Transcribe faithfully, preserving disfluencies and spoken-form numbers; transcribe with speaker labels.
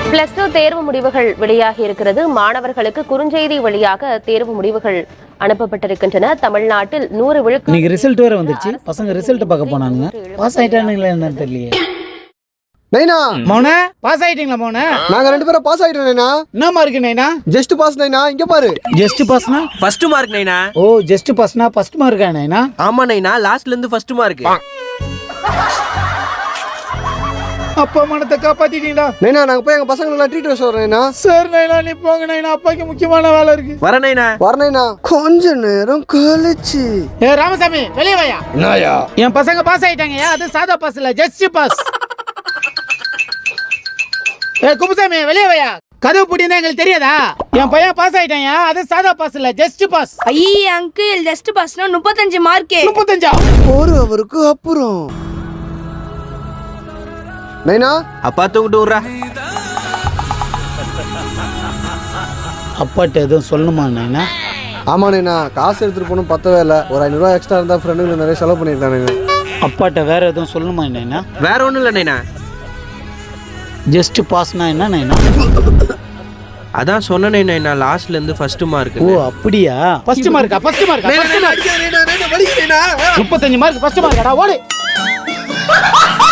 Speaker 1: Plus two தேர்வு முடிவுகள் வெளியாகி இருக்கிறது. மாணவர்களுக்கு குறுஞ்செய்தி வழியாக தேர்வு முடிவுகள் அனுப்பப்பட்டிருக்கின்றன. தமிழ்நாட்டில் நூறு விழுக்காடு
Speaker 2: இன்னைக்கு ரிசல்ட் வேற வந்துருச்சு. பசங்க ரிசல்ட் பார்க்க போனானுங்க. பாஸ் ஆயிட்டானுங்களா என்னன்னு தெரியலையே.
Speaker 3: நைனா
Speaker 2: மௌன பாஸ் ஆயிட்டீங்களா மௌன?
Speaker 3: நாங்க ரெண்டு பேரும் பாஸ் ஆயிட்டோம் நைனா.
Speaker 2: என்ன மார்க் நைனா?
Speaker 3: ஜஸ்ட் பாஸ் நைனா. இங்க பாரு.
Speaker 2: ஜஸ்ட் பாஸ்னா
Speaker 4: ஃபர்ஸ்ட் மார்க் நைனா.
Speaker 2: ஓ ஜஸ்ட் பாஸ்னா ஃபர்ஸ்ட் மார்க்கா நைனா?
Speaker 4: ஆமா நைனா, லாஸ்ட்ல இருந்து ஃபர்ஸ்ட் மார்க்.
Speaker 2: அப்பா மனத்தை காப்பாத்திட்டீங்களா
Speaker 3: நைனா? நாங்க போய் எங்க பசங்க எல்லாம் ட்ரீட் வச்சு வரோம் நைனா.
Speaker 2: சார் நைனா நீ போங்க நைனா, அப்பாக்கு முக்கியமான வேலை இருக்கு.
Speaker 4: வர நைனா.
Speaker 3: வர நைனா. கொஞ்ச நேரம் கழிச்சு.
Speaker 2: ஏ ராமசாமி வெளிய வாயா.
Speaker 3: என்னயா?
Speaker 2: என் பசங்க பாஸ் ஆயிட்டாங்கயா. அது சாதா பாஸ் இல்ல, ஜஸ்ட் பாஸ். ஏ குப்புசாமி வெளிய வாயா. கதவு பூட்டினா எங்களுக்கு தெரியாதா? என் பையன் பாஸ் ஆயிட்டான்யா. அது சாதா பாஸ் இல்ல, ஜஸ்ட் பாஸ்.
Speaker 5: ஐயே அங்கிள், ஜஸ்ட் பாஸ்னா முப்பத்தஞ்சு மார்க்.
Speaker 2: முப்பத்தஞ்சா?
Speaker 3: ஒரு அவருக்கு அப்புறம் நைனா.
Speaker 4: அப்பா தூக்கிட்டு விடுறா.
Speaker 2: அப்பாட்ட எதுவும் சொல்லணுமா நைனா?
Speaker 3: ஆமா நைனா, காசு எடுத்துட்டு போகணும் பத்தவே இல்லை. ஒரு ஐநூறு ரூபா எக்ஸ்ட்ரா இருந்தா ஃப்ரெண்டுங்களுக்கு நிறைய செலவு பண்ணிருக்கானுங்க.
Speaker 2: அப்பாட்ட வேற எதுவும் சொல்லணுமா நைனா?
Speaker 4: வேற ஒண்ணும் இல்ல நைனா.
Speaker 2: ஜஸ்ட் பாஸ்னா என்ன நைனா?
Speaker 4: அதான் சொன்னேனே நைனா, லாஸ்ட்ல இருந்து ஃபர்ஸ்ட் மார்க்.
Speaker 2: ஓ அப்படியா? ஃபர்ஸ்ட் மார்க்கா? ஃபர்ஸ்ட் மார்க்கா? முப்பத்தஞ்சு மார்க் ஃபர்ஸ்ட் மார்க்கடா. ஓடு.